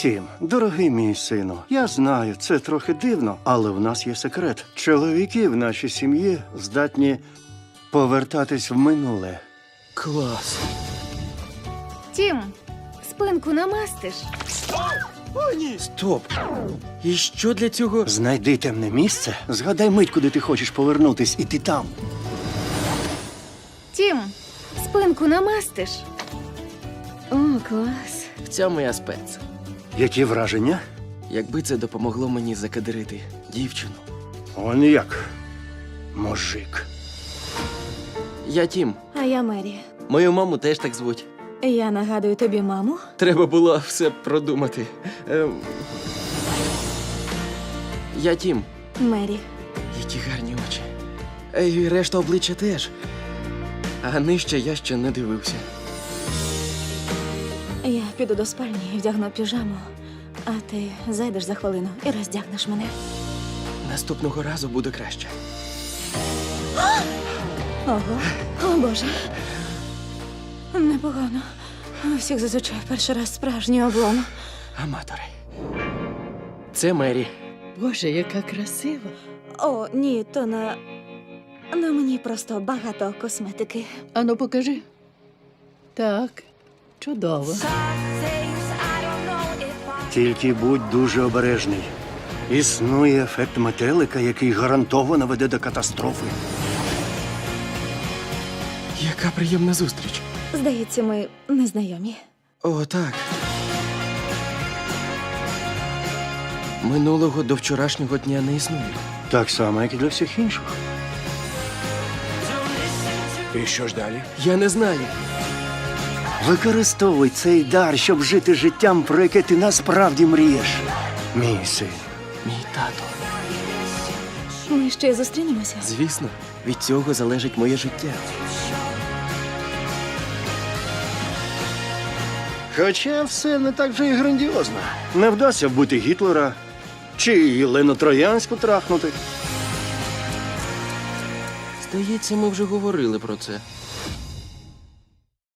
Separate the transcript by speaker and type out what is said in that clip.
Speaker 1: Тім, дорогий мій сину, я знаю, це трохи дивно, але в нас є секрет. Чоловіки в нашій сім'ї здатні повертатись в минуле.
Speaker 2: Клас.
Speaker 3: Тім, спинку намастиш.
Speaker 2: Стоп. І що для цього?
Speaker 1: Знайди темне місце, згадай мить, куди ти хочеш повернутись, і ти там.
Speaker 3: Тім, спинку намастиш. О, клас.
Speaker 2: В цьому я спец.
Speaker 1: Які враження?
Speaker 2: Якби це допомогло мені закадрити дівчину.
Speaker 1: Он як. Мужик.
Speaker 2: Я Тім.
Speaker 4: А я Мері.
Speaker 2: Мою маму теж так звуть.
Speaker 4: Я нагадую тобі маму.
Speaker 2: Треба було все продумати. Я Тім.
Speaker 4: Мері.
Speaker 2: Які гарні очі. І решта обличчя теж. А нижче я ще не дивився.
Speaker 4: Я піду до спальні і вдягну піжаму, а ти зайдеш за хвилину і роздягнеш мене.
Speaker 2: Наступного разу буде краще.
Speaker 4: Ого, о Боже. Непогано. У всіх зазвичай перший раз справжній облом.
Speaker 2: Аматори. Це Мері.
Speaker 5: Боже, яка красива.
Speaker 4: О, ні, то на мені просто багато косметики.
Speaker 5: Ану, покажи. Так, чудово.
Speaker 1: Тільки будь дуже обережний. Існує ефект метелика, який гарантовано веде до катастрофи.
Speaker 2: Яка приємна зустріч.
Speaker 4: Здається, ми незнайомі.
Speaker 2: О, так. Минулого до вчорашнього дня не існує.
Speaker 1: Так само, як і для всіх інших.
Speaker 6: І що ж далі?
Speaker 2: Я не знаю.
Speaker 1: Використовуй цей дар, щоб жити життям, про яке ти насправді мрієш. Мій син.
Speaker 2: Мій тато.
Speaker 4: Ми ще зустрінемося.
Speaker 2: Звісно, від цього залежить моє життя.
Speaker 1: Хоча все не так вже і грандіозно. Не вдасться вбити Гітлера чи Єлену Троянську трахнути.
Speaker 2: Здається, ми вже говорили про це.